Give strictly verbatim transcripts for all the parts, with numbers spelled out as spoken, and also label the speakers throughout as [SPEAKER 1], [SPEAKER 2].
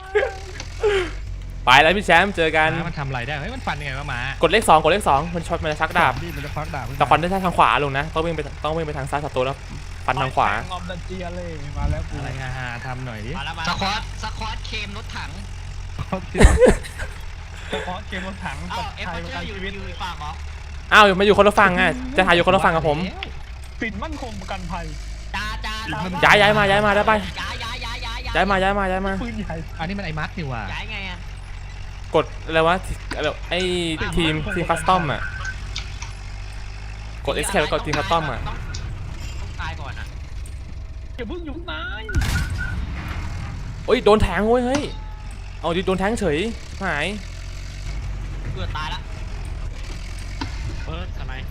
[SPEAKER 1] ไปแล้วพี่แชมป์เจอกัน
[SPEAKER 2] มันทำอะไรได้เฮ้ยมันฟันยังไงวะหมาก
[SPEAKER 1] ดเลขสองกดเลขสองมันช็อตมันจะชักดาบ
[SPEAKER 2] มันจะฟักดาบ
[SPEAKER 1] แต่ฟันได้ทางขวาลงนะต้องวิ่งไปต้องวิ่งไปทางซ้ายศัตรูแล้วฟันทางขวา
[SPEAKER 3] ออมดันเจียเลยมาแล้วกู
[SPEAKER 2] อะไรฮาๆทำหน่อยดิ
[SPEAKER 4] สควอตสควอตเคมรถถัง
[SPEAKER 3] เฉพาะเกมรถถัง
[SPEAKER 4] เอ้า
[SPEAKER 3] กับ
[SPEAKER 4] เอฟ
[SPEAKER 3] ไทย
[SPEAKER 4] เฟ
[SPEAKER 3] ป
[SPEAKER 4] อ
[SPEAKER 3] ระกัน
[SPEAKER 4] ร์อยู่
[SPEAKER 3] ชีวิต
[SPEAKER 4] อยู่ฝั่งเหรอ
[SPEAKER 1] อ้าวมาอยู่คนละฝั่งไงจะถ่ายอยู่คนละฝั่งกับผม
[SPEAKER 3] ปิดมั่นคงประกันภัย
[SPEAKER 4] จ้าจ้า
[SPEAKER 1] ย้ายย้ายมาย้ายมาได้ไป
[SPEAKER 4] ย้ายย้ายย้ายย้าย
[SPEAKER 1] ย้ายมาย้ายมาย้ายมา
[SPEAKER 3] ปืนใหญ่
[SPEAKER 2] อันนี้มันไอ้มัดนี่ว่ะ
[SPEAKER 4] ย้ายไงอ่ะ
[SPEAKER 1] กดอะไรวะอะไรไอ้ทีมทีมคัสตอมอ่ะกด escape แล้วกดทีมคัสตอมอ่ะ
[SPEAKER 4] ต้องตายก่อนอ่ะ
[SPEAKER 3] อย่าเพิ่งอยู่นาย
[SPEAKER 1] โอ้ยโดนแทงเว้ยเฮ้ยเอาดิโดนแทงเฉยหาย
[SPEAKER 4] เกือบตายละ
[SPEAKER 2] เปิดทำไม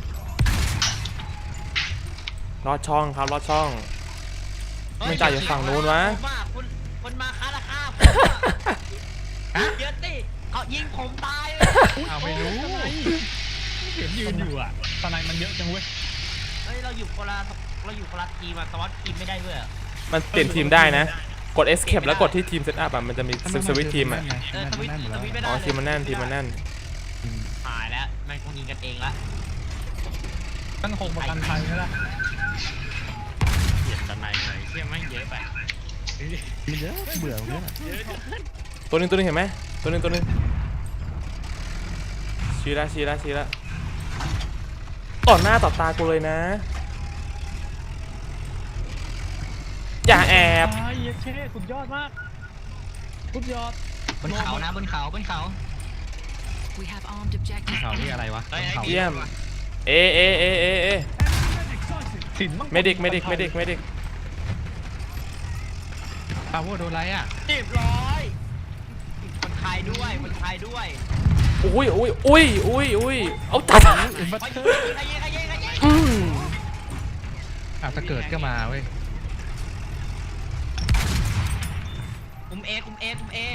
[SPEAKER 1] รอดช่องครับรอดช่องไม่จ่ายอยู่ฝั่งนู้นวะ
[SPEAKER 4] คุณคนมาค้าราคาเยอะติเขายิงผมตายเลย
[SPEAKER 2] เอาไม่รู้เห็นยืนอยู่อ่ะ
[SPEAKER 3] ตอนไหนมันเยอะจังเว้ย
[SPEAKER 4] เฮ้ยเราอยู่คนละเราอยู่คนละทีมอะสวัสดิ์ทีมไม่ได้ด้วย
[SPEAKER 1] มันเปลี่ยนทีมได้นะกด escape แล้วกดที่ทีม setup อ่ะมันจะมีสวิตช์ทีมอ่ะ
[SPEAKER 4] เออสวิตสวิตไม่ได้
[SPEAKER 1] อ๋อทีมมันแน่นทีมมันแน่น
[SPEAKER 4] หายแล้วมันคงยิงกันเองละ
[SPEAKER 3] มั่นคงประกันภัยใช่ไหม
[SPEAKER 2] เปลี่ยนทำไมเลยเชื่อไม่เยอะไปมันเยอะเบื่อเยอะ
[SPEAKER 1] ตัวนึงตัวนึงเห็นไหมตัวนึงตัวนึงชี้ละชี้ละชี้ละต่อหน้าต่อตากูเลยนะอย่าแอบ
[SPEAKER 3] ไอ้เหี้ยเช่สุดยอดมากสุดยอด
[SPEAKER 4] บนเขานะบนเขาบนเขา
[SPEAKER 2] เขาที่อะไรวะเขา
[SPEAKER 1] เยี่ยมเอเอเอเอเอเมดิกเมดิกเมดิกเมดิก
[SPEAKER 2] ปาโวโดนไรอ่ะ
[SPEAKER 4] เรียบร้อยคนไทยด้วยคนไทยด้วย
[SPEAKER 1] อุ้ยอุ้ยอุ้ยอุ้ยอุ้ยเอาจัดอืม
[SPEAKER 2] อาจจะเกิดก็มาเว้ย
[SPEAKER 4] คุมเอคุมเอคุมเอ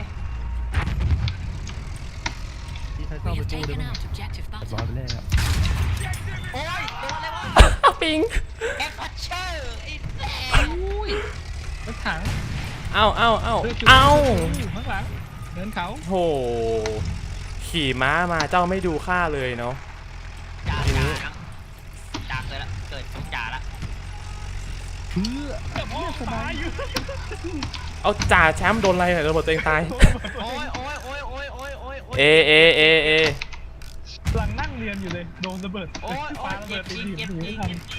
[SPEAKER 2] ที่ใช้เข้าไปตู้ด้วยมั้งร้อยไปแล้ว
[SPEAKER 4] โอ้ยโดนอะไรวะ
[SPEAKER 1] ปิง
[SPEAKER 4] แอปพัชเชอร์ไอ้แซ่
[SPEAKER 2] อุ้ยรถถัง
[SPEAKER 1] เอ้าเอ้าเอ้าเอ้า
[SPEAKER 2] ข้างหลังเดินเขา
[SPEAKER 1] โหขี่ม้ามาเจ้าไม่ดูค่าเลยเนาะ
[SPEAKER 4] จ่าจ่าจ่าเกิดละเกิดต้องจ่าละ
[SPEAKER 2] เพื่อ
[SPEAKER 3] สบายอยู่
[SPEAKER 1] เอาจ่าแชมป์โดนอะไรเนี่ยระเบิดตัวเองตาย
[SPEAKER 4] โอ้ยโอ้ยโอ้ยโอ้ยโอ้ยโอ้ย
[SPEAKER 1] เอเอเอเอ
[SPEAKER 3] หลังนั่งเรียนอยู่เลยโดนระเบิด
[SPEAKER 4] โอ้ยโอ้ยเจ็บจริงเจ็บจริงเจ็บจริ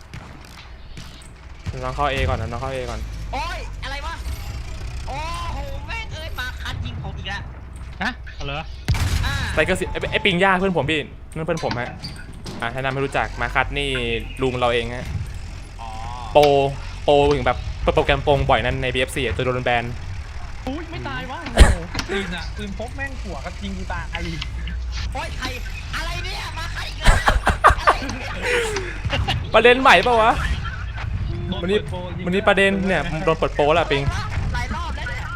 [SPEAKER 4] ง
[SPEAKER 1] น้องเข้าเอก่อนนะน้องเข้าเอก่อน
[SPEAKER 4] โอ้ยอะไรวะโอ้โหแม่งเอ้ยมาคัดยิงผมอีกแล้ว
[SPEAKER 2] ฮะเหรอ
[SPEAKER 1] ไซเคิลสิไอปิงย่าเพื่อนผมพี่นั่นเพื่อนผมฮะอ่าให้นำไม่รู้จักมาคัดนี่ลุงเราเองฮะโปโปอย่างแบบโปรแกรมโปงบ่อยนั่นใน บี เอฟ ซี ตัวโดนแบน
[SPEAKER 3] อุ้ยไม่ตายวะปืนอะปืนพกแม่งหัวกับยิงกูตาย
[SPEAKER 4] โอ้ยใครอะไรเนี่ยมาคัดอีกแล้ว
[SPEAKER 1] ประเด็นใหม่ป่าวะวันนี้วันนี้ประเด็นเนี่ยโดนเปิดโปแล้วปิง
[SPEAKER 4] หลายรอบแล้วเนี่ย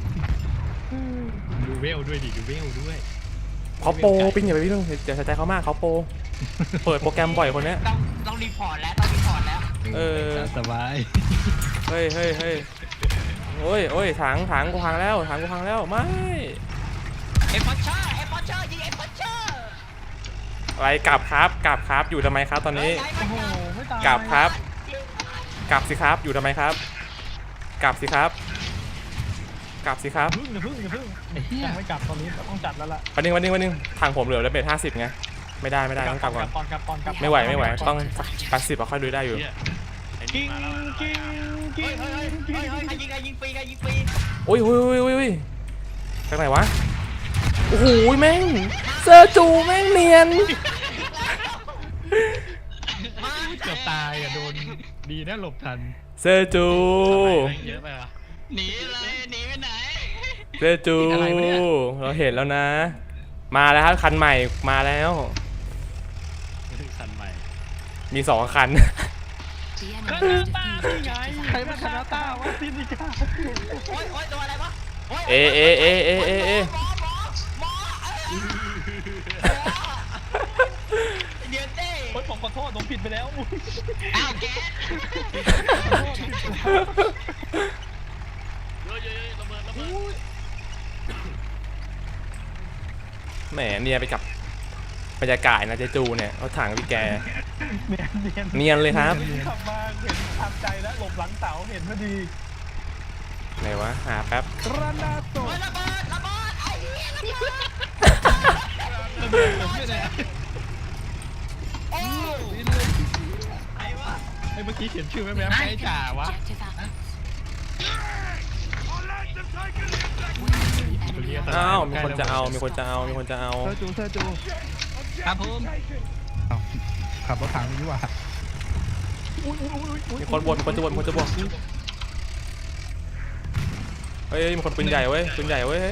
[SPEAKER 2] ดูเวลด้วยดิดูเวลด้วย
[SPEAKER 1] เขาโปปิงอย่าไปพี่ต้องอย่าใส่ใจเขามากเขาโปเปิดโปรแกรมบ่อยคนนี้
[SPEAKER 4] ต้องต้องรีพอร์ตแล้วต้องรีพอร์ตแล้ว
[SPEAKER 1] เออ
[SPEAKER 2] สบาย
[SPEAKER 1] เฮ้ยเฮ้ยเฮ้ยโอ้ยโอ้ยถังถังกูพังแล้วถังกูพังแล้วไม่
[SPEAKER 4] เอฟพอเชอร์เอฟพอเชอร์ยิงเอฟพอเชอร์
[SPEAKER 1] อะไรกลับครับกลับครับอยู่ทำไมครับตอนนี้กลับครับกลับสิครับอยู่ทำไมครับกลับสิครับกลับสิครับ
[SPEAKER 3] พึ่งอย่าพึ่งอย่าพึ่งยังไม่กลับตอนนี้ต้องจัดแล้วล่ะ
[SPEAKER 1] วันนึงวันนึงวันนึงทางผมเหลือแล้วเบสห้าสิบไงไม่ได้ไม่ได้ต้องกลับก่อนไม่ไหวไม่ไหวต้องแปดสิบเอาค่อยดูได้อยู่
[SPEAKER 3] กิ้งกิ้งกิ้งกิ้ง
[SPEAKER 4] ใครยิงใครยิงฟรีใครยิงฟรี
[SPEAKER 1] โอ้ยโอ้ยโอ้ยโอ้ยไปไหนวะโอ้โหแม่งเซอร์จูแม่งเนียน
[SPEAKER 2] เกือบตายอ่ะโดนดีนะหลบทัน
[SPEAKER 1] เซอร์จู
[SPEAKER 2] เยอะไปวะ
[SPEAKER 4] หนีเลยหนีไปไหน
[SPEAKER 1] เซอร์จูเราเห็นแล้วนะมาแล้วครับคันใหม่มาแล้ว
[SPEAKER 2] คันใหม่
[SPEAKER 1] มีสองคัน
[SPEAKER 3] คานาต้าที่ไงใครมาคานาต้าวะซินิก้า
[SPEAKER 4] โอ้ยโอ้ยตัวอะไรวะ
[SPEAKER 1] เอเอเอเอเอเอ
[SPEAKER 4] เดี๋ยวเต้
[SPEAKER 3] โอ้ยผมขอโทษผมผิดไปแล้ว
[SPEAKER 4] อ้าวแก
[SPEAKER 2] เยอะๆระเบิดระเบิด
[SPEAKER 1] แหมเนียนไปกับบรรยากาศนะเจจูเนี่ยรถถังพี่แก
[SPEAKER 3] เนียนเนียน
[SPEAKER 1] เนียนเลยครับ
[SPEAKER 3] ขับมาเห็นทำใจแล้วหลบหลังเสาเห็นพอดี
[SPEAKER 1] ไหนวะหาแป๊บ
[SPEAKER 3] กระนาโต
[SPEAKER 4] เฮ้ยระเบิดระเบิดไอ้เหี้ยระเบิด
[SPEAKER 3] ระเบิดผมไม่ได้
[SPEAKER 4] โอ้
[SPEAKER 3] ดิ้นเลย
[SPEAKER 4] ไอ้วะ
[SPEAKER 3] ไอ้เมื่อกี้เขียนชื่อแม่แม่ให้จ่าวะ
[SPEAKER 1] อ้าวมีคนจะเอามีคนจะเอามีคนจะเอา
[SPEAKER 3] เธอจูเธอจู
[SPEAKER 4] ครับผม
[SPEAKER 3] เอาขับรถถังดีกว่า
[SPEAKER 1] มีคนบวชมีคนจะบวชมีคนจะบวชเฮ้ยมีคนปืนใหญ่เว้ยปืนใหญ่เว้ย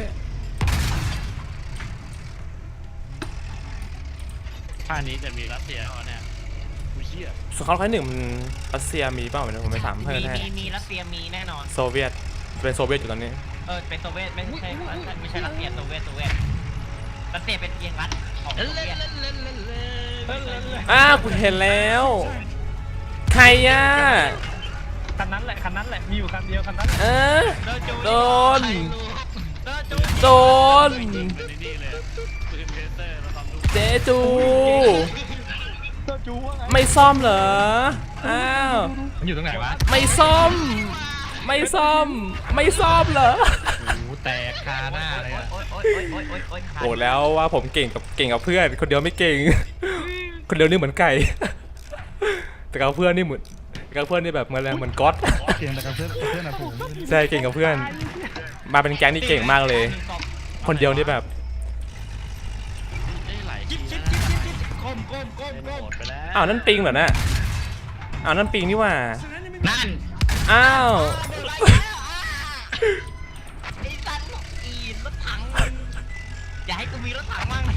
[SPEAKER 2] ท่านี้จะมีรัสเซียเหรอเนี่ยกูเชี่ย
[SPEAKER 1] สงครามครั้งหนึ่งมันรัสเซียมีเปล่าเนี่ยผมไปถามเพื่อน
[SPEAKER 4] มี
[SPEAKER 1] ให้
[SPEAKER 4] มีมีรัสเซียมีแน่นอน
[SPEAKER 1] โซเวียตเป็นโซเวียตอยู่ตอนนี้
[SPEAKER 4] เออเป็นโซเวียตไม่ใช่ไม่ใช่รัสเซียโซเวียตโซเวียตรัสเซียเป็นเพียงรัฐของโซเวียต
[SPEAKER 1] อ้าวกูเห็นแล้วใครอ่ะ
[SPEAKER 3] คันนั้นแหละคันนั้นแหละมีอยู่คันเดียวคันนั้น
[SPEAKER 1] เออ โดน โดน
[SPEAKER 2] เป็นนี่เลยปืนเพเตอร์มาทำลูก
[SPEAKER 1] เจจู
[SPEAKER 3] เธอจูว่าไง
[SPEAKER 1] ไม่ซ่อมเหรออ้าว
[SPEAKER 3] มันอยู่ตรงไหนวะ
[SPEAKER 1] ไม่ซ่อม ไม่ซ่อม ไม่ซ่อมเหรอ
[SPEAKER 3] หูแตกคาหน้าเลยอะ
[SPEAKER 4] โอ๊ยโอ๊ยโอ๊ยโอ๊ยโอ๊ยโอ๊ย
[SPEAKER 1] โอ้แล้วว่าผมเก่งกับเก่งกับเพื่อนคนเดียวไม่เก่ง คนเดียวนี่เหมือนไก่ แต่กับเพื่อนนี่เหมือนแต่กับเพื่อนนี่แบบเหมือนอะไรเหมือนก๊อต
[SPEAKER 3] เก่งแต่กับเพื่อนกับเพื่อนอะผม
[SPEAKER 1] ใช่เก่งกับเพื่อน มาเป็นแก๊งนี่เก่งมากเลย คนเดียวนี่แบบ
[SPEAKER 2] ได้หลายที
[SPEAKER 4] จิ๊บ
[SPEAKER 2] นะ
[SPEAKER 4] จิ๊บจิ๊บจิ๊บก้มก้มก้ม
[SPEAKER 2] เป็น
[SPEAKER 4] ก้
[SPEAKER 2] โห
[SPEAKER 4] ม
[SPEAKER 2] ดไปแล้ว
[SPEAKER 1] อ้าวนั่นปิงเหรอน่ะอ้าวนั่นปิงนี่หว่า
[SPEAKER 4] นั่น
[SPEAKER 1] อ้าว
[SPEAKER 4] อะไรแล้วอ่ะไอ้สันอีรถถังมึงอย่าให้กูมีรถถังมั่ง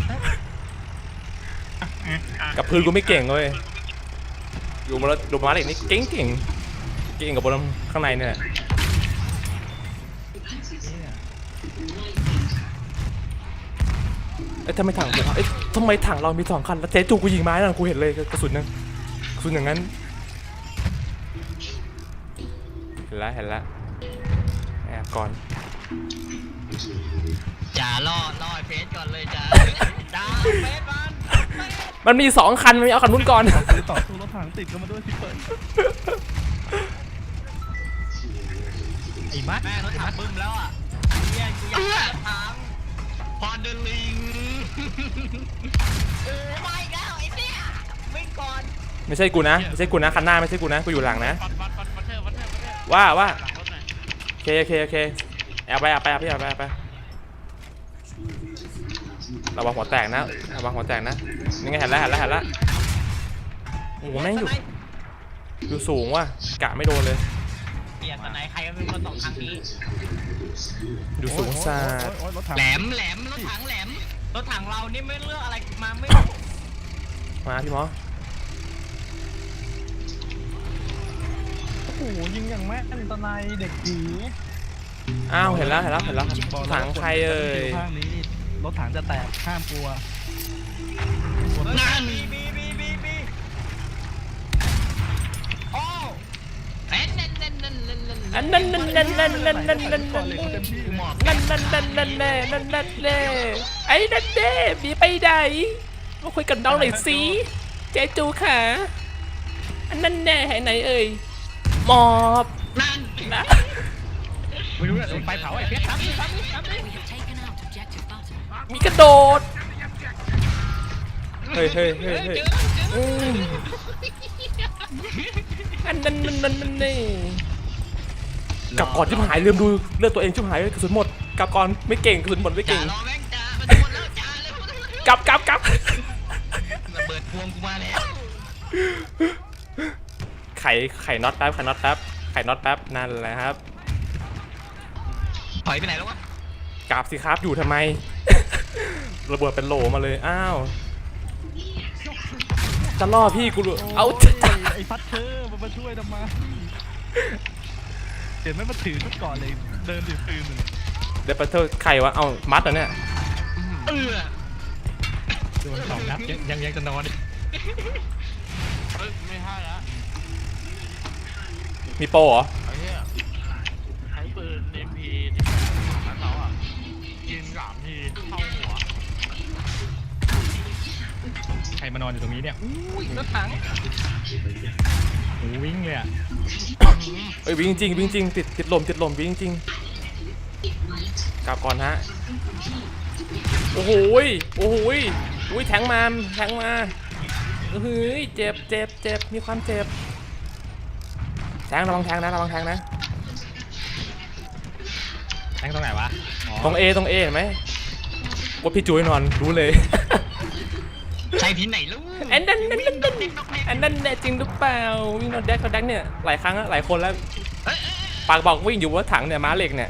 [SPEAKER 1] กับพื้นกูไม่เก่งเลยอยู่มาแล้วดูมาเด็กนี่เก่งเก่งเก่งกับบนข้างในเนี่ยเอ้ยทำไมถังเอ้ยทำไมถังเรามีสองคันแล้วเจ๊จูกูยิงไม้นั่นกูเห็นเลยกระสุนนึงกระสุนอย่างนั้นเห็นแล้วเห็นแล้วแอบก่อน
[SPEAKER 4] อย่าล่อล่อไอ้เพชรก่อนเลยจ้าจ้าเพชรมัน
[SPEAKER 1] มันมีสองคันมันเอาคันนู้นก่อน
[SPEAKER 3] ซื้อต่อสู้รถถังติดกันมาด้วยสิเปิดไอ้มัด
[SPEAKER 4] แม่รถถังบึ้มแล้วอ่ะเฮียกูอยากได้รถถังพอเดลิงโอ้ไม่แล้วไอ้เนี่ยวิ่งก่อน
[SPEAKER 1] ไม่ใช่กูนะไม่ใช่กูนะคันหน้าไม่ใช่กูนะกูอยู่หลังนะ
[SPEAKER 2] ฟัดฟัดฟัดฟัดเทอร์ฟัดเทอร์ฟัดเทอร์
[SPEAKER 1] ว่าว่า
[SPEAKER 2] หลังรถหน่อย
[SPEAKER 1] โอเคโอเคโอเคแอบไปแอบไปแอบไปแอบไปแอบไประวังหัวแตกนะระวังหัวแตกนะนี่ไงเห็นแล้วเห็นแล้วเห็นแล้วโอ้โหแม่งอยู่อยู่สูงว่ะกะไม่โดนเลย
[SPEAKER 4] เปลี่ยนตอนไหนใครก็เป็นคนตกทางนี้
[SPEAKER 1] อยู่สูงซาด
[SPEAKER 3] โอ๊ยรถถัง
[SPEAKER 4] แหลมแหลมรถถังแหลมรถถังเรานี่ไม่เลือกอะไรมาไม่
[SPEAKER 1] มาพี่หมอ
[SPEAKER 3] โอ้โหยิงอย่างแม่นตะไนเด็กผี
[SPEAKER 1] อ้าวเห็นแล้วเห็นแล้วเห็นแล้วถังใครเอ่ย
[SPEAKER 3] ข้างนี้รถถังจะแตกห้ามกลัว
[SPEAKER 4] นั่นบีบีบีบีบีโอ้เอ็นเน่นเน่นเน่นเน่นเน่น
[SPEAKER 1] อันนั้นนั่นนั่นนั่นนั่นนั่นนั่น
[SPEAKER 3] ก่อ
[SPEAKER 1] นั่
[SPEAKER 3] น
[SPEAKER 1] น
[SPEAKER 3] เลยเต็มที่หมอบ
[SPEAKER 1] นั่นนั่นนั่นนั่นแน่นั่นนั่นแน่ไอ้นั่นแน่มีไปไหนมาคุยกับน้องหน่อยสิเจ๊จูค่ะอันนั่นแน่หายไหนเอ่ยหมอบ
[SPEAKER 4] นั่น
[SPEAKER 1] นะ
[SPEAKER 3] ไม่รู้แหละโดนไฟเผาไอ้เพชรครับ
[SPEAKER 1] มีกระโดดเฮ้ยเฮ้ยเฮ้ยเฮ้ยอืมอันนั้นนั่นนั่นนั่นนี่กลับก่อนชิบหายลืมดูเลือดตัวเองชิบหายกระสุนหมดกลับก่อนไม่เก่งกระสุนหมดไม่
[SPEAKER 4] จ่า
[SPEAKER 1] เก่ง
[SPEAKER 4] รอแม่งจ่ามันจะหมดแล้วจ่าเลย
[SPEAKER 1] กลับกลับกลับ
[SPEAKER 4] ระเบิดพวงกูมาแล้ว
[SPEAKER 1] ไขไขน็อตแป๊บไขน็อตแป๊บไขน็อตแป๊บนั่นแหละครับ
[SPEAKER 4] ถอยไปไหนแล้ววะ
[SPEAKER 1] กราบสิครับอยู่ทำไม ระเบิดเป็นโหลมาเลยอ้าวจะล่อพี่กูรู้เอา
[SPEAKER 3] ไอ้พัดเธอมันมาช่วยทำไมเดี๋ยวไม่มาถือชุดก่อนเลยเดินถือปืนเลย
[SPEAKER 1] เดี๋ยวไปเธอใครวะเอามัดเหรอเนี่ย
[SPEAKER 4] เออ
[SPEAKER 3] โดนสองนัดยังยังจะนอน
[SPEAKER 2] เฮ้ยไม่ให้ละ
[SPEAKER 1] มีโปรเหรอ
[SPEAKER 2] ไอ้เหี้ยใช้ปืน เอ็ม พี ที่แบบนั้นเราอ่ะยิงสามทีเข้าหัวรมานอนอยู่ตรงนี้เนี่ยอุ้ยรถถังโอ้วิ่งเลยอ่ะ
[SPEAKER 1] เอ้ยวิ่งจริงวิ่งจริงติดติดลมติดลมวิ่งจริงกลับก่อนฮะโอ้โหยโอ้โหยอุ้ยแทงมาแทงมาเฮ้ยเจ็บเจ็บเจ็บมีความเจ็บแทงระวังแทงนะระวังแทงนะ
[SPEAKER 2] แทงตรงไหนวะ
[SPEAKER 1] ตรงเอตรงเอเห็นไหมว่าพี่จุ้ยนอนรู้เลย
[SPEAKER 4] ใช่ที่ไหนลูก
[SPEAKER 1] แอนนั่นนั่นนั่นแอนนั่นแน่จริงหรือเปล่าวิ่งนอนแดกเขาแดกเนี่ยหลายครั้งแล้วหลายคนแล้วปากบอกวิ่งอยู่ว่าถังเนี่ยม้าเหล็กเนี่ย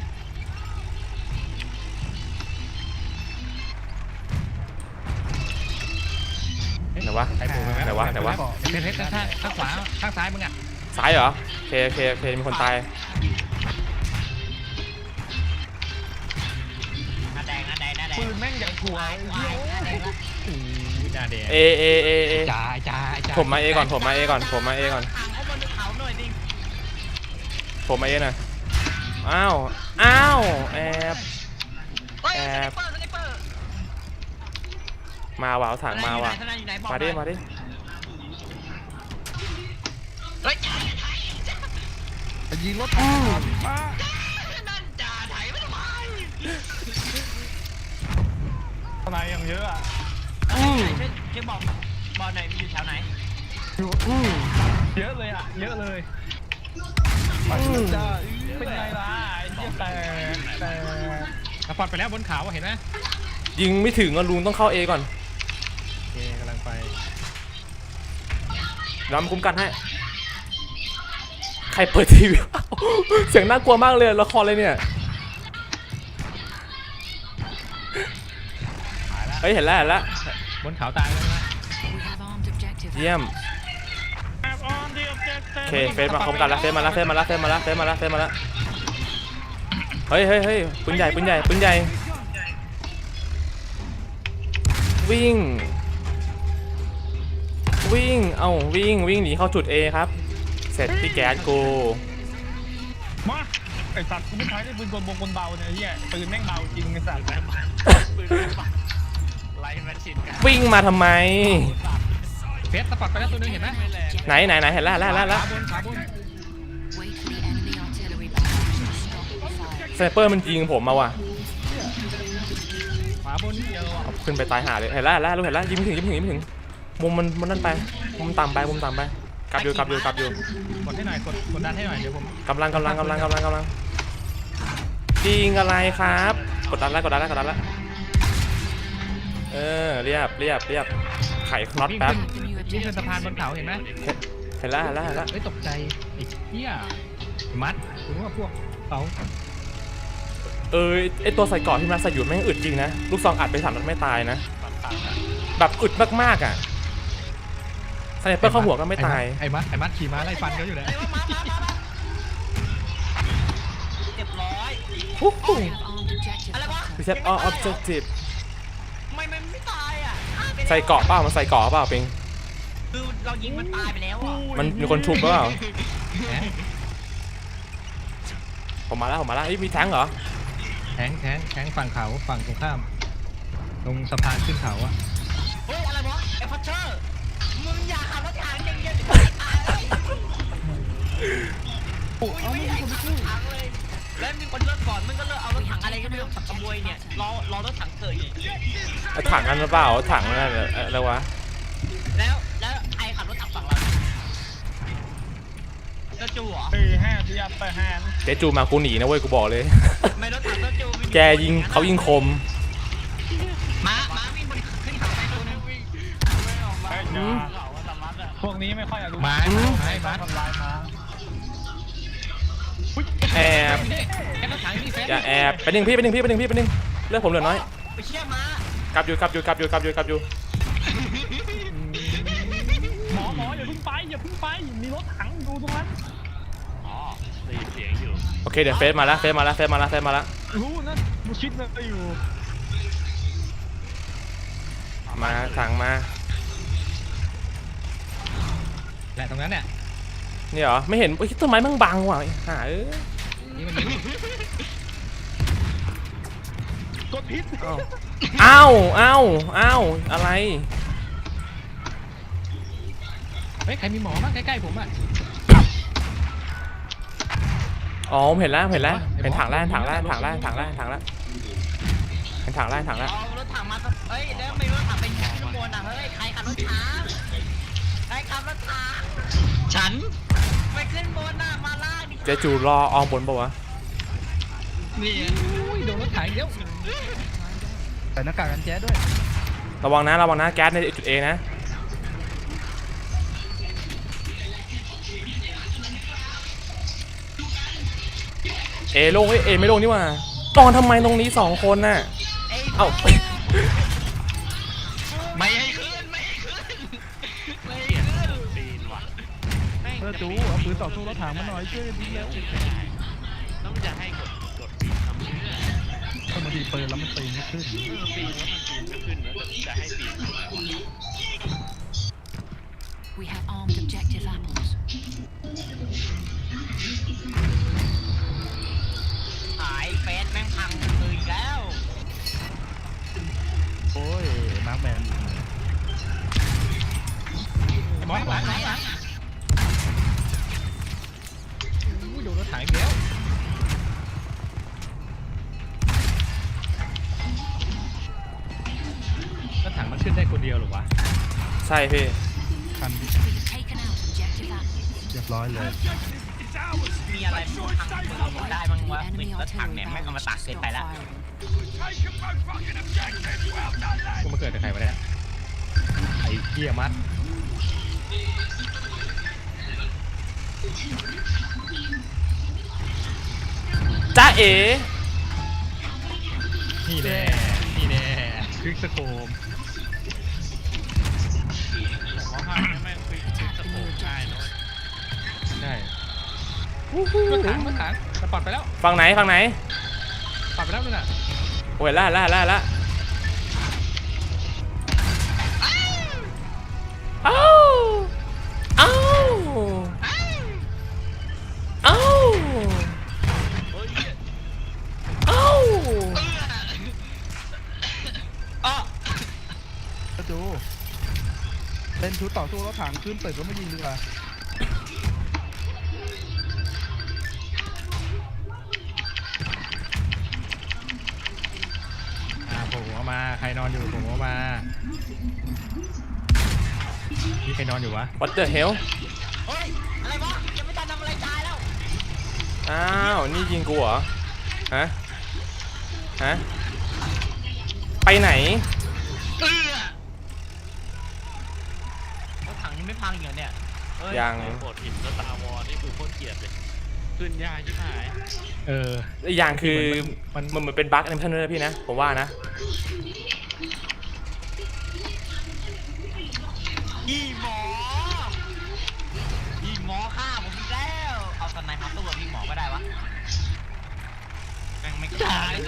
[SPEAKER 1] ไหนวะ
[SPEAKER 2] ไอ้ปู
[SPEAKER 1] ไหนวะไหนวะ
[SPEAKER 2] เพชรเพชรข้างข้างขวาข้างซ้ายมึงอ่ะ
[SPEAKER 1] ซ้ายเหรอโอเคโอเคโอเคมีคนตาย
[SPEAKER 4] หน้าแดงหน้าแดงหน้าแดง
[SPEAKER 3] ปืนแม่งอย่างถั่ว
[SPEAKER 4] วาย
[SPEAKER 3] ไอ้
[SPEAKER 4] วา
[SPEAKER 3] เหี้ย
[SPEAKER 4] ยหน้าแดงละ
[SPEAKER 2] หน้าแดง
[SPEAKER 1] เอเอเอเอ
[SPEAKER 2] จ้าจ้าจ้า
[SPEAKER 1] ผมมาเอก่อนผมมาเอก่อนผมมาเอก่อน
[SPEAKER 4] ถังเอาบนเขาหน่อยดิ
[SPEAKER 1] ผมมาเอหน่อยอ้าวอ้าวแอบ
[SPEAKER 4] เฮ้ย
[SPEAKER 1] แอ
[SPEAKER 4] สไน
[SPEAKER 1] บ
[SPEAKER 4] เปอร์สไนเปอร์
[SPEAKER 1] มาว่ะเอาถังมาว่ะ
[SPEAKER 4] ทนายอยู่ไหนบอก
[SPEAKER 1] มาดิมาดิ
[SPEAKER 4] เฮ้ยจ่าถ่าย
[SPEAKER 3] ยิงรถถังมา
[SPEAKER 4] นั่นจ่าถ่ายไม่ทำไม
[SPEAKER 3] ทนายอย่างเยอะอ่ะ
[SPEAKER 4] ช่วยช่วยบอกบอกหน่อยมันอยู่แถวไหน
[SPEAKER 3] อยู่เยอะเลยอ่ะเยอะเลยไปจ้าเป็นไงล่ะไอ้เหี้ยแต่แต่
[SPEAKER 2] สปอตไปแล้วบนเขาเห็นไหม
[SPEAKER 1] ยิงไม่ถึงอ่ะลุงต้องเข้าเอก่อน
[SPEAKER 2] โอเคกำลังไป
[SPEAKER 1] เดี๋ยวมาคุ้มกันให้ใครเปิดทีวี เสียงน่ากลัวมากเลยละครเลยเนี่ยเฮ้ยเห็นแล้วเห็นแล้ว
[SPEAKER 2] บนเขาตายแล้วนะ
[SPEAKER 1] เยี่ยมโอเคเฟซมาคุ้มกันแล้วเฟซมาแล้วเฟซมาแล้วเฟซมาแล้วเฟซมาแล้วเฟซมาแล้วเฮ้ยเฮ้ยเฮ้ยปืนใหญ่ปืนใหญ่ปืนใหญ่วิ่งวิ่งเอ้าวิ่งวิ่งหนีเข้าจุด A ครับเสร็จพี่แก๊สกู
[SPEAKER 3] มาไอ้สัตว์กูไม่ใช้ได้ปืนกลบงกลเบาเนี่ยไอ้เหี้ยปืนแม่งเบาจริงไอ้สัตว์
[SPEAKER 4] ไล่มันชินกัน
[SPEAKER 1] วิ่งมาทำไม
[SPEAKER 2] เพชรสปอตไปแล้วตัวนึงเห็นไหม
[SPEAKER 1] ไหนไหนไหนเห็นแล้วเห็นแล้วเห็นแล้ว
[SPEAKER 2] ขาบนขาบน
[SPEAKER 1] สไนเปอร์มันยิงผมมาว่ะ
[SPEAKER 2] ขวาบนเดียวอ่ะ
[SPEAKER 1] เอาขึ้นไปตายหาเลยเห็นแล้วเห็นแล้วรู้เห็นแล้วยิงไม่ถึงยิงไม่ถึงยิงไม่ถึงมุมมันมันนั่นไปมุมต่ำไปมุมต่ำไปกลับอยู่กลับอยู่กลับอยู่
[SPEAKER 2] กดให้หน่อยกดกดดันให้หน่อยเดี๋ยวผม
[SPEAKER 1] กำลังกำลังกำลังกำลังกำลังยิงอะไรครับกดดันแล้วกดดันแล้วกดดันแล้วเออเรียบเรียบเรียบไขน็อต
[SPEAKER 2] วิ่ง
[SPEAKER 1] แป๊บ
[SPEAKER 2] ขึ้นวิ่งขึ้นสะพานบนเขาเห็นไหม
[SPEAKER 1] เห็นแล้วเห็นแล้วเห็นแล้ว
[SPEAKER 2] เฮ้ยตกใจอีกเหี้ยมัดคุณว่าพวกเขา
[SPEAKER 1] เออไอตัวใส่เกราะที่มันใส่อยู่แม่งอึดจริงนะลูกซองอัดไปสามนัดไม่ตายนะแบบอึดมากๆอ่ะสไนเปอร์เข้าหัวก็ไม่ตาย
[SPEAKER 2] ไอ้มัดไอ้มัดขี่ม้าไล่ฟันเขาอยู่นะ
[SPEAKER 4] ไอ้ว่ามามามามาเรียบร้อย
[SPEAKER 1] ฮู้ฮู้
[SPEAKER 4] อะไรวะ
[SPEAKER 1] reset all objective
[SPEAKER 4] ทำไมมันไม่ตายอ่ะฆ่าไปแล้ว
[SPEAKER 1] ใส่เกราะเปล่ามันใส่เกราะเปล่าปิง
[SPEAKER 4] คือเรายิงมันตายไปแล้วอ่ะ
[SPEAKER 1] มันมีคนชุบหรือเปล่า
[SPEAKER 2] แทง
[SPEAKER 1] ผมมาแล้วผมมาแล้วเอ้ยมีแท้งเหรอ
[SPEAKER 2] แทงแทงแทงฝั่งเขาฝั่งตรงข้ามตรงสะพานขึ้นเขาอะ
[SPEAKER 4] เฮ้ยอะไรวะไอ้พัชเชอร์มึงอย่าขับรถถังอย่างเงี้ยตายเลย
[SPEAKER 3] โอ้เอาไม่
[SPEAKER 4] ไม่
[SPEAKER 3] มี
[SPEAKER 4] ให้
[SPEAKER 3] คนไป
[SPEAKER 4] ขับ
[SPEAKER 3] ช่วย
[SPEAKER 4] ถังเลยแล้วมีคนเลิกก่อนมึงก็เลิกเอารถถังอะไรก็ไม่รู้ขับขโมยเนี่ยรอรอรถถังเกิดอีก
[SPEAKER 1] ไอ้ถังนั่นหรือเปล่าถังนั่นอะไรวะ
[SPEAKER 4] แล้วแล้วใครขับรถถังฝั่งเราเจ้าจูเหรอ
[SPEAKER 3] เออห้าที่ยับไปห้า
[SPEAKER 1] เจ๊จูมากูหนีนะเว้ยกูบอกเลย
[SPEAKER 4] ไม่รถถังเจ้าจูไม่มี
[SPEAKER 1] แกยิงเขายิงคม
[SPEAKER 4] ม้าม้าวิ่งบนขึ้นเขาไปตัวนึงวิ่ง
[SPEAKER 3] ไอ้จ้าพวกนี้ไม่ค่อยอยากดู
[SPEAKER 2] ไม้ไม้มัด
[SPEAKER 3] ทำลายมา
[SPEAKER 1] แอบ
[SPEAKER 2] แค่รถถังนี่เฟส
[SPEAKER 1] อย่าแอบไปหนึ่งพี่ไปหนึ่งพี่ไปหนึ่งพี่ไปหนึ่งเลือดผมเหลือน้อย
[SPEAKER 4] ไปเชี่ยม้าก
[SPEAKER 1] ลับอยู่กลับอยู่กลับอยู่กลับอยู่กลับอยู่
[SPEAKER 3] หมอหมออย่าเพิ่งไปอย่าเพิ่งไปมีรถถังดูตรงนั้น
[SPEAKER 2] อ๋อได้ยินเสียงอยู่
[SPEAKER 1] โอเคเดี๋ยวเฟซมาแล้วเฟซมาแล้วเฟซมาแล้วเฟซมาแล้ว
[SPEAKER 3] รู้นะมูชิดนะอยู่
[SPEAKER 1] มาถังมา
[SPEAKER 2] แหละตรงนั้นเนี่ย
[SPEAKER 1] นี่เหรอไม่เห็นเฮ้ยต้นไม้มั่งบังว่ะหาเอ้ย
[SPEAKER 2] นี่มันยิง
[SPEAKER 3] กดพิษ
[SPEAKER 1] อ้าวอ้าวอ้าวอะไร
[SPEAKER 3] เฮ้ยใครมีหมอบ้างใกล้ๆผมอ่ะ
[SPEAKER 1] อ๋อผมเห็นแล้วเห็นแล้วเห็นถังแล้วถังแล้วถังแล้วถังแล้วถังแล้วเห็นถังแล้วถังแล้ว
[SPEAKER 4] เอารถถังมาสักเฮ้ยแล้วไม่รถถังเป็นยิงขึ้นบนอ่ะเฮ้ยใครขับรถถังใครขับรถถังฉันไปขึ้นบนน่ะมาล่างดิ
[SPEAKER 1] เจจูรอออมบนปะวะ
[SPEAKER 4] นี่
[SPEAKER 3] อุ้ยโดนรถถ่ายเดี๋ยวใส่หน้ากากกันแจ๊ดด้วย
[SPEAKER 1] ระวังนะระวังนะแก๊สในจุดเอนะเอโล่งเอ้ยเอไม่โล่งนี่หว่าตอนทำไมตรงนี้สองคนน่ะเอ้า
[SPEAKER 4] ไม่ให้ขึ้นไม่ให้ขึ้นไม่ให้
[SPEAKER 2] เกลียด
[SPEAKER 4] ขึ้น
[SPEAKER 2] ปีนว่ะแม่ง
[SPEAKER 3] เออ
[SPEAKER 2] จะ
[SPEAKER 3] จู
[SPEAKER 2] ปีน
[SPEAKER 3] เอาปืนต่อสู้รถถังมาหน่อยช่วยกันดีแล้ว
[SPEAKER 2] ไม่ได้แล้วมันจะให้กดกดปีนทำเพื่อ
[SPEAKER 3] ถ้ามันดีปืนแล้วมันตีไม่ขึ้น
[SPEAKER 2] เออปีนแล้วมันปีนไม่ขึ้นแล้วจะให้ปีน
[SPEAKER 5] We have armed objective apples.
[SPEAKER 4] หายเฟสแม่งพังเลยอีกแล้ว
[SPEAKER 3] โอ้ยมาร์คแมนหมอหลังหลังหลังอุ้ยโดนรถถ่ายเดี๋ยวรถถังมันขึ้นได้คนเดียวหรอวะ
[SPEAKER 1] ใช่พี่
[SPEAKER 3] คัน
[SPEAKER 5] We've taken out objective apples.
[SPEAKER 3] เรียบร้อยเลย
[SPEAKER 4] มีอะไรพังปืนได้บ้างวะปืนรถถังเนี่ยแม่งเอามาตักเกินไปแล้ว
[SPEAKER 3] กูมาเกิดกับใครวะเนี่ยไอ้เกียมัด
[SPEAKER 1] จ้าเอ๋
[SPEAKER 3] นี่แน่นี่แน่คลิกสโคม
[SPEAKER 2] ผมว่าภาคนี้แม่งปีนขึ้นสะโพกได้เนอะ
[SPEAKER 3] ใช่รถถังรถถังจะปัดไปแล้ว
[SPEAKER 1] ฝั่งไหนฝั่งไหน
[SPEAKER 3] ปัดไปแล้วนึงอ่ะ
[SPEAKER 1] โอ้ยล่าล่าล่าล่าเอ้าเอ้าเอ้า
[SPEAKER 2] เฮ้ย
[SPEAKER 1] เอ้า
[SPEAKER 4] อ้อ
[SPEAKER 3] ก็ดูเล่นชุดต่อสู้รถถังขึ้นตึกแล้วไม่ยิงดีกว่าอ่าผมหัวมาใครนอนอยู่ผมหัวมานี่ใครนอนอยู่วะ
[SPEAKER 1] What the hell
[SPEAKER 4] เฮ้ยอะไรวะยังไม่ทันทำอะไรตายแล้ว
[SPEAKER 1] อ้าวนี่ยิงกูเหรอฮะฮะไปไหน
[SPEAKER 4] เออรถถังยังไม่พังอีกเหรอเนี่ยเฮ้ย
[SPEAKER 1] ยัง
[SPEAKER 2] ไอ้โคตรหินแล้วตาวอนี่คือโคตรเกลียดเลยขึ้นยากชิบหาย
[SPEAKER 3] เออ
[SPEAKER 1] อีกอย่างคือ
[SPEAKER 3] มั
[SPEAKER 1] มัน นเหมือนเป็นบั๊กแอนิเมชันด้วยนะพี่นะผมว่านะ
[SPEAKER 4] อีหมออีหมอฆ่าผมอีกแล้วเอาสไนเปอร์มาสู้กับพี่หมอก็ได้วะแม่งไม่กล้าเลย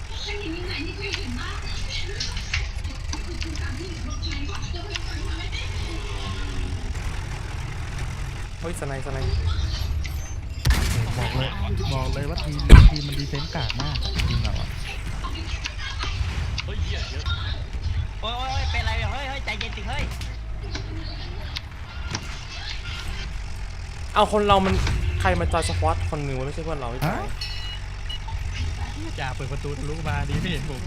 [SPEAKER 1] เฮ้ยสไนด์สไนด์
[SPEAKER 3] บอกเลยบอกเลยว่าทีมทีมมันดีเฟนส์กากมากอะทีมเราอะ
[SPEAKER 2] เฮ้ยเหี้ยเยอะ
[SPEAKER 4] โอ้ยโอ้ยเป็นไรเนี่ยเฮ้ยเฮ้ยใจเย็นสิเฮ้ย
[SPEAKER 1] เอาคนเรามันใครมาจอยสควอตคนหนึ่งวะไม่ใช่เพื่อนเราไม่ใช่
[SPEAKER 3] จ่าเปิดประตูทะลุมาดีไม่เห็นผม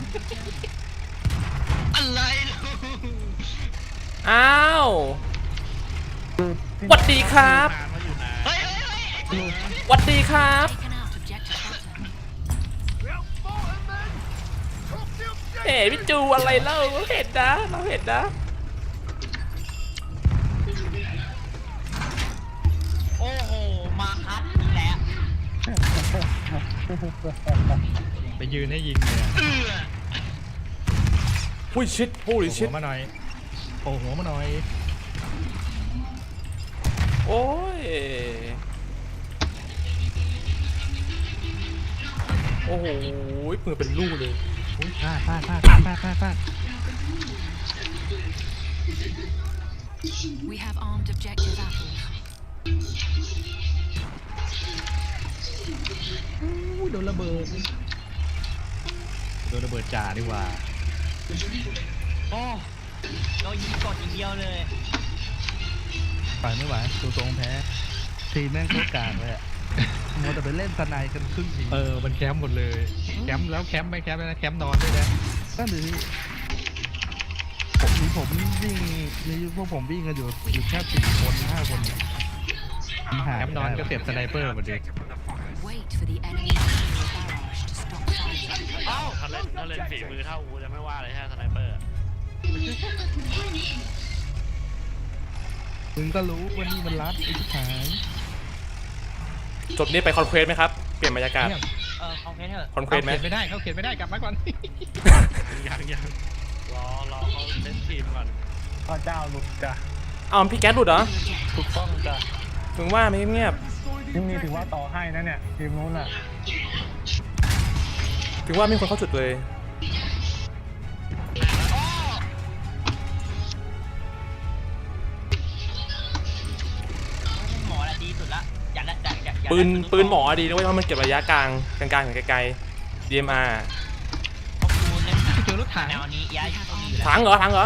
[SPEAKER 4] อะไรเนี่ย
[SPEAKER 1] อ้าวหวัดดีครับ
[SPEAKER 2] นานว่าอยู่นาน
[SPEAKER 4] เฮ้ยเฮ้ยเฮ้ย
[SPEAKER 1] หวัดดีครับ
[SPEAKER 5] Taken out objective button.
[SPEAKER 1] เอ๋พี่จูอะไรเล่าเห็นนะเราเห็นนะ
[SPEAKER 4] โอ้โหมาคัดอีกแล้ว
[SPEAKER 3] ไปยืนให้ยิงเลยอะ
[SPEAKER 4] เออ
[SPEAKER 1] หุ้ยชิดโอ้ย
[SPEAKER 3] โผ
[SPEAKER 1] ชิ
[SPEAKER 3] ล่
[SPEAKER 1] ด
[SPEAKER 3] หัวมาหน่อยโผล่หัวมาหน่อย
[SPEAKER 1] โอ้ยโอ้โหมือเป็นลูกเลย
[SPEAKER 3] อุ้ยพลาดพลาดพลาดพลาดพลาดพลาดพลาด
[SPEAKER 5] We have armed objective apples.
[SPEAKER 3] อุ้ยโดนระเบิดโดนระเบิดจ่าดีกว่า
[SPEAKER 4] โอ้เรายิงกดอย่างเดียวเลย
[SPEAKER 3] ฝ่ายไม่ไหวดูตรงแพ้ทีมแม่งโคตรกากเลยอะมัวแต่ไปเล่นสไนกันครึ่งที
[SPEAKER 2] เออมันแคมป์หมดเลยแคมป์แล้วแคมป์ไม่แคมป์นะแคมป์นอนด้วยนะ
[SPEAKER 3] นั่นเลยผมมีผมวิ่งมีพวกผมวิ่งกันอยู่อยู่แค่สี่คนห้าคนเนี่ยมันหา
[SPEAKER 2] แคมป์นอนก็เสียบสไนเปอร์หมดเลย
[SPEAKER 5] Wait for the enemy aerial barrage to stop firing.
[SPEAKER 2] เอ้าถ้าเล่นถ้าเล่นฝีมือเท่ากูจะไม่ว่าเลยฮะสไนเปอร์
[SPEAKER 3] มึงก็รู้ว่านี่มันรัดไอ้ที่หาย
[SPEAKER 1] จบนี้ไปคอนเควสไหมครับ เปลี่ยนบรรยากาศ
[SPEAKER 4] เออคอมเพลเถอะ
[SPEAKER 1] คอนเควสไหม
[SPEAKER 2] เขาเขียนไม่ได้เขาเขียนไม่ได้กลับมาก่อนยังยังรอรอเขาเล่นทีมก่อน
[SPEAKER 3] พระเจ้าลุกจ้ะ
[SPEAKER 1] อ้าวพี่แก๊สหลุดเหรอ
[SPEAKER 3] ถูกต้องจ้ะ
[SPEAKER 1] ถึงว่าไม่เงียบ
[SPEAKER 3] นี่มีถือว่าต่อให้นะเนี่ยทีมนู้นอ่ะ
[SPEAKER 1] ถึงว่าไม่มีคนเข้าจุดเลย
[SPEAKER 4] หมอละดีสุดละอย่าละอย่าอย่าอย่า
[SPEAKER 1] ปืนปืนหมอดีนะเว้ยเพราะมันเก็บระยะกลางกลางๆถึงไกลๆ ดี เอ็ม อาร์
[SPEAKER 4] ขอบคุณเล่น
[SPEAKER 2] เจอรถถัง
[SPEAKER 4] แนวนี้ย้าย
[SPEAKER 5] We have
[SPEAKER 4] ต้องมี
[SPEAKER 5] armed
[SPEAKER 4] อยู่แล้ว
[SPEAKER 1] ถังเหรอถังเหรอ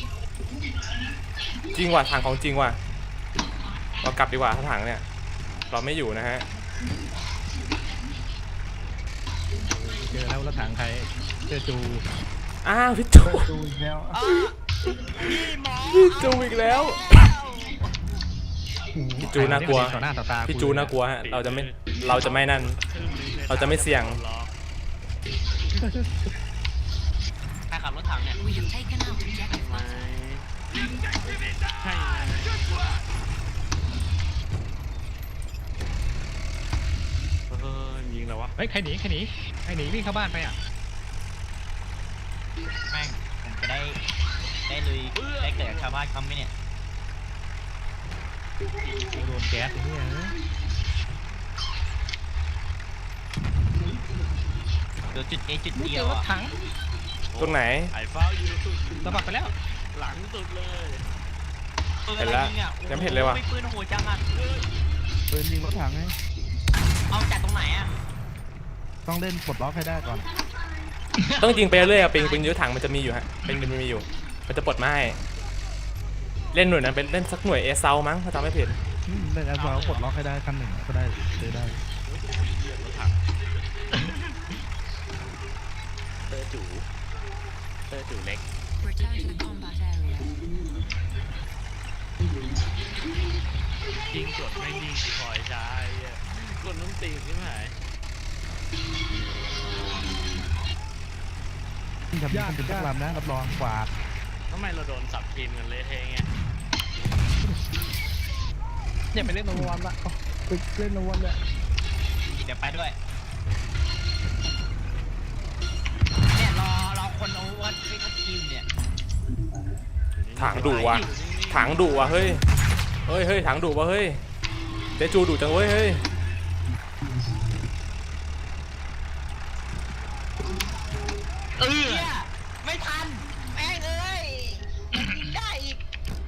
[SPEAKER 1] จริงว่ะถังของจริงว่ะ เรากลับดีกว่าถ้าถังเนี่ย เราไม่อยู่นะฮะ
[SPEAKER 2] เจอแล้วรถถังใครเจอจู
[SPEAKER 1] อ้าวพี่จู
[SPEAKER 3] ดูอีกแล้ว
[SPEAKER 4] อ่ะพี่หมอ
[SPEAKER 1] พี่จูอีกแล้ว พี่จูน่ากลัว
[SPEAKER 2] ต่อหน้าต่อตา
[SPEAKER 1] พี่จูน่ากลัวฮะ เราจะไม่ เราจะไม่นั่น เราจะไม่เสี่ยง
[SPEAKER 4] ใครขับรถถังเนี่ย
[SPEAKER 5] We have taken out objective butter.
[SPEAKER 2] ใช่เออยิงแล้ววะเฮ้ยใครหนีใครหนีใครหนีวิ่งเข้าบ้านไปอ่ะ
[SPEAKER 4] แม่งผมจะได้ได้ลุยได้เกิดกับชาวบ้านเขาไหมเนี่ย
[SPEAKER 2] โดนแก๊สอย่างเงี้ย
[SPEAKER 4] เดี๋ยวจุด A จุด
[SPEAKER 2] เจ
[SPEAKER 4] เดีย
[SPEAKER 2] อ
[SPEAKER 4] ว
[SPEAKER 2] รถ
[SPEAKER 4] อ่ะ
[SPEAKER 2] ถัง
[SPEAKER 1] ตรงไหน
[SPEAKER 2] ไอ้ฟ้าอยู่สะบัดไปแล้ว หลังสุดเลย
[SPEAKER 4] ปืน
[SPEAKER 1] เห็น
[SPEAKER 4] อะไร
[SPEAKER 1] แล้ว
[SPEAKER 4] ยิงอ่ะ
[SPEAKER 1] ยังไม่เห็นเลยว่ะ
[SPEAKER 4] ไม่ปืนโหดจังอ่ะ
[SPEAKER 3] ปืนยิงรถถังไง
[SPEAKER 4] เอาจากตรงไหนอ่ะ
[SPEAKER 3] ต้องเล่นปลดล็อกให้ได้ก่อน
[SPEAKER 1] ต้องยิงไปเรื่อยๆอะปิงปืนยื้อถังมันจะมีอยู่ฮะเป็นมันมีอยู่ มันจะปลดมาให้ เล่นหน่วยนั้นเป็นเล่นสักหน่วยเอเซามั้งถ้าจำไม่ผิด
[SPEAKER 3] อืมเล่นแอสซอลปลดล็อกให้ได้ขั้นหนึ่งก็ได้เลยได้
[SPEAKER 2] เตอร์จูเตอร์จูเล็ก
[SPEAKER 5] Return to the combat area.
[SPEAKER 2] ยิงกดไม่ยิงคอยใช้กดต้องตีใช่ไหม
[SPEAKER 3] ที่ทำนี้เป็นทุกลำนะรับรองกวาด
[SPEAKER 2] ทำไมเราโดนสับทีมกันเละเทะไง
[SPEAKER 3] อย่าไปเล่นโนวันละไปเล่นโนวันละ
[SPEAKER 4] เดี๋ยวไปด้วย เนี่ยรอรอคนเอาวัดไปทักทีมเนี่ย
[SPEAKER 1] ถังดุว่ะ ถังดุว่ะเฮ้ย เฮ้ยเฮ้ยถังดุว่ะเฮ้ยเดจูดุจังเว้ยเฮ้ย
[SPEAKER 4] เออไม่ทันแม่งเอ้ยยังยิงได้อีก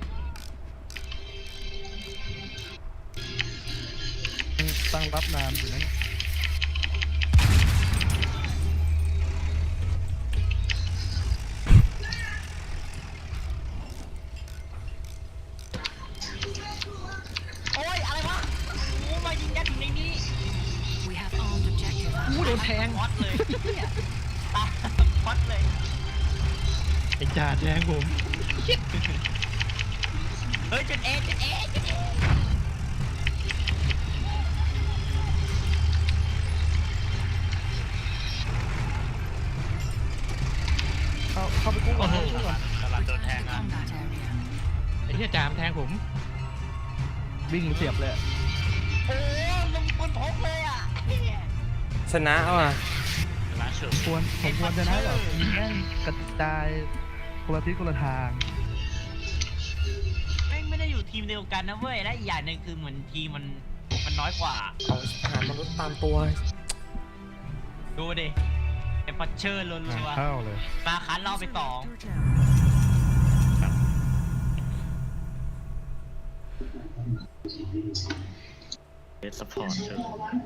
[SPEAKER 3] ตั้งรับนานอยู่นะ
[SPEAKER 4] โอ้ยอะไรวะโอ้มายิงยัดอยู่ในนี้
[SPEAKER 5] We have armed objective
[SPEAKER 2] อู้
[SPEAKER 5] apples.
[SPEAKER 2] โดนแทง
[SPEAKER 4] พอดเลยตาพอดเลย
[SPEAKER 2] ไอ้จ่าแทงผม
[SPEAKER 4] เฮ้ยจุดเอจุดเอจุดเอ
[SPEAKER 3] เข้าเข้าไปกู้ก่
[SPEAKER 2] โอ้
[SPEAKER 3] อน
[SPEAKER 2] โห
[SPEAKER 3] เข้าไปกู้ก่อน
[SPEAKER 2] กำลังโดน
[SPEAKER 5] Return
[SPEAKER 2] แท
[SPEAKER 5] to
[SPEAKER 2] ง
[SPEAKER 5] the
[SPEAKER 2] อ่ะ
[SPEAKER 5] combat area.
[SPEAKER 2] ไอ้เหี้ยจามแทงผม
[SPEAKER 3] วิ่งเสียบเลย
[SPEAKER 4] โอ้ลงปืนพกเลยอ่ะ
[SPEAKER 1] ชนะเอาอ่ะ
[SPEAKER 2] ร้านเฉิม
[SPEAKER 3] ควรผมควรจะนะแบบยิงแม่งกระจายคนละทิศคนละทาง
[SPEAKER 4] ไม่ไม่ได้อยู่ทีมเดียวกันนะเว้ยและอีกอย่างหนึ่งคือเหมือนทีมมันมันน้อยกว่า
[SPEAKER 1] เอาทหารมนุษย์ตามตัว
[SPEAKER 4] ดูดิไอ้พัชเชอร์ล้วน
[SPEAKER 3] เข้าเลย
[SPEAKER 4] ๆมาคันเราไปสอง
[SPEAKER 2] เดสปอร์ตเฉิม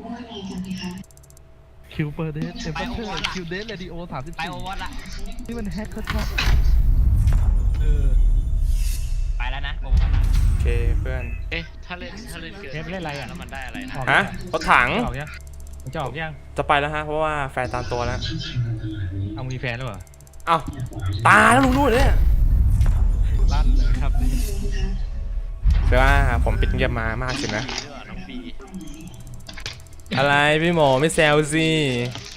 [SPEAKER 3] คิวเปอร์เดสเอฟเฟอร์คิวเดสเรดิโอสามสิบ
[SPEAKER 4] ไป
[SPEAKER 3] สี่
[SPEAKER 4] โอวอตละ
[SPEAKER 3] นี่มันแฮกชัด
[SPEAKER 4] เออไปแล้วนะโอวอตละ
[SPEAKER 1] โอเคเพื่อน
[SPEAKER 2] เอ๊ะถ้าเล่นถ้าเล่นเกิน
[SPEAKER 3] เทปเล่นอะไรอ่ะ
[SPEAKER 2] แล้วมันได้อะไรนะ
[SPEAKER 3] ออก
[SPEAKER 1] ฮะรถถัง
[SPEAKER 3] จะออกยังมันจะออกยัง
[SPEAKER 1] จะไปแล้วฮะเพราะว่าแฟนตามตัวแล้ว
[SPEAKER 3] เอามีแฟนแล้วเหรอ
[SPEAKER 1] เอ้าตายแล้วลุงนู่นเนี่ย
[SPEAKER 3] ลั่นเลยครับนี่
[SPEAKER 1] แปลว่าผมปิดเงียบมามากสินะ
[SPEAKER 2] บีด้วยเหรอน้องบี
[SPEAKER 1] อะไรพี่หมอไม่แซวสิ
[SPEAKER 2] เ